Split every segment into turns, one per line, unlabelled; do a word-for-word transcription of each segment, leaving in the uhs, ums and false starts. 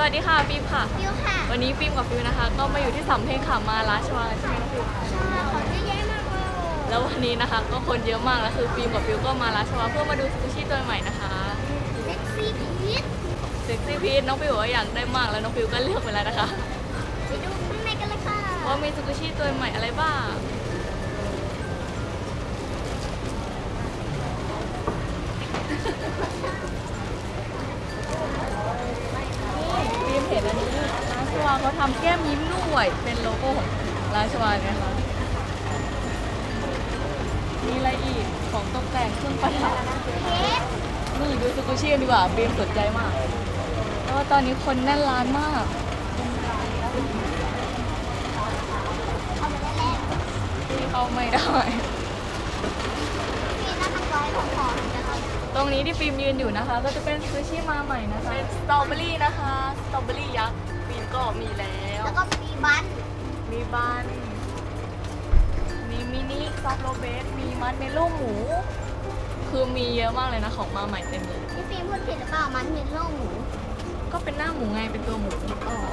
วัสดีค่ะฟิล์มค่ะ
ฟิวค่ะ
วันนี้ฟิล์มกับฟิวนะคะ ก็มาอยู่ที่สำเพ็งค่ะมาราชวังใช่ไหมน้องฟิว
ใช่ของเยอะแยะมากเลย
แล้ววันนี้นะคะก็คนเยอะมากแล้วคือฟิล์มกับฟิวก็มาราชวังเพื่อมาดูสกูชี่ตัวใหม่นะคะ
เซ็กซี่พีช
เซ็กซี่พีชน้องฟิวบอกว่าอยากได้มากแล้วน้องฟิวก็เลือกไปแล้วนะคะ
ไปดูข้างในกันเลยค่ะ
ว่ามีสกูชี่ตัวใหม่อะไรบ้างฟิล์มเห็นอันนี้ราชวังเขาทำแก้มยิ้มด้วยเป็นโลโก้ของราชวังนะคะมีอะไรอีกของตกแต่งเครื่องประดับ
เพชร
นี่ดูสกูชี่กันดีกว่าบีมสนใจมากเพราะว่าตอนนี้คนแน่นร้านมาก
เอามาได้แล้ว
ที่เข้าไม่ได้
นี่น่าทำร้อยของของนะคะ
ตรงนี้ที่ฟิล์มยืนอยู่นะคะ ก็จะเป็นซูชิมาใหม่นะคะเป็นสตรอเบอรี่นะคะสตรอเบอรี่ยักษ์ฟิล์มก็มีแล้ว
แล้วก็มีบัน
มีบันมีมินิซอฟต์โรเบสมีมัดเมลโล่หมู คือมีเยอะมากเลยนะของมาใหม่เต็มเลย
พี่ฟิล์มพูดผิดหรือเปล่ามันมีโล่หมู
ก็เป็นหน้าหมูไงเป็นตัวหมูอ๋อ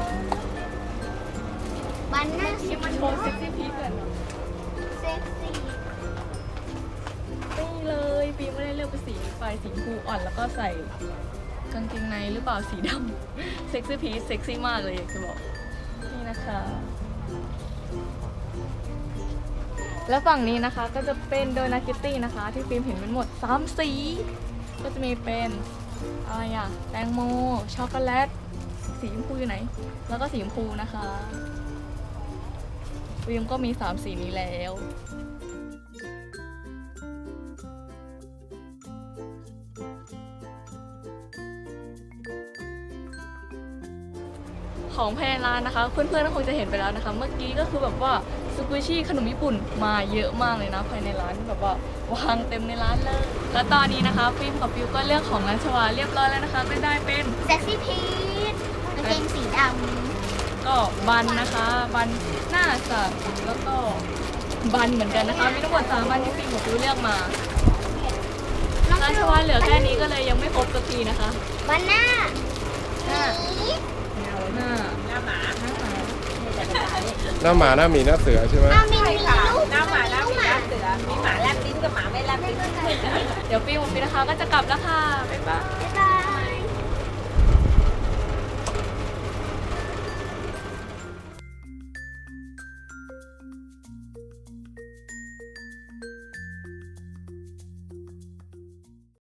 บันหน้า
ที่มันโชว์เซ็กซี่พีซกันเนาะ
เซ็กซี่
นี่เลยฟิล์มไม่ได้เลือกเป็นสีไฟสีชมพูอ่อนแล้วก็ใส่กางเกงในหรือเปล่าสีดำ เซ็กซี่พีซเซ็กซี่มากเลยอยากจะบอกนี่นะคะ แล้วฝั่งนี้นะคะก็จะเป็นโดนาคิตตี้นะคะ ที่ฟิล์มเห็นเป็นหมดสามสี ก็จะมีเป็นอะไรอะแตงโมช็อกโกแลตสีชมพูอยู่ไหน แล้วก็สีชมพูนะคะฟิล์มก็มีสามสีนี้แล้ว ของภายในร้านนะคะเพื่อนๆก็คงจะเห็นไปแล้วนะคะ เมื่อกี้ก็คือแบบว่าสกูชี่ขนมญี่ปุ่นมาเยอะมากเลยนะภายในร้านแบบว่าวางเต็มในร้านเลย แล้วตอนนี้นะคะฟิล์มกับฟิวก็เลือกของร้านชวาเรียบร้อยแล้วนะคะก็ได้เป็น
เซ็กซี่พีชกางเกงสีด
ก็บันนะคะบันหน้าสัตว์แล้วก็บันเหมือนกันนะคะมีทั้งหมดสามบันที่ฟิล์มกับฟิวเลือกมา
ำน้อง
ร้านช
ฟิว
วาเหลือแค่นี้ก็เลยยังไม่ครบสักทีนะคะ
บันหน้า
หน้า
หมี
หน้าหน้าหมาหน้าหมา
หน้าหมาหน้าหมีหน้าเสือใช่ไหม
อ้าวมีมี
ค่ะ
ลูก
หน้าหมาหน้าหมีห
ห
น้าเสือ มีหมาแลบลิ้นกับหมาไม่แลบลิ้น
เดี๋ยวฟิล์มกับฟิวนะคะก็จะกลับแล้วค่ะบ๊ายบาย
บ๊ายบา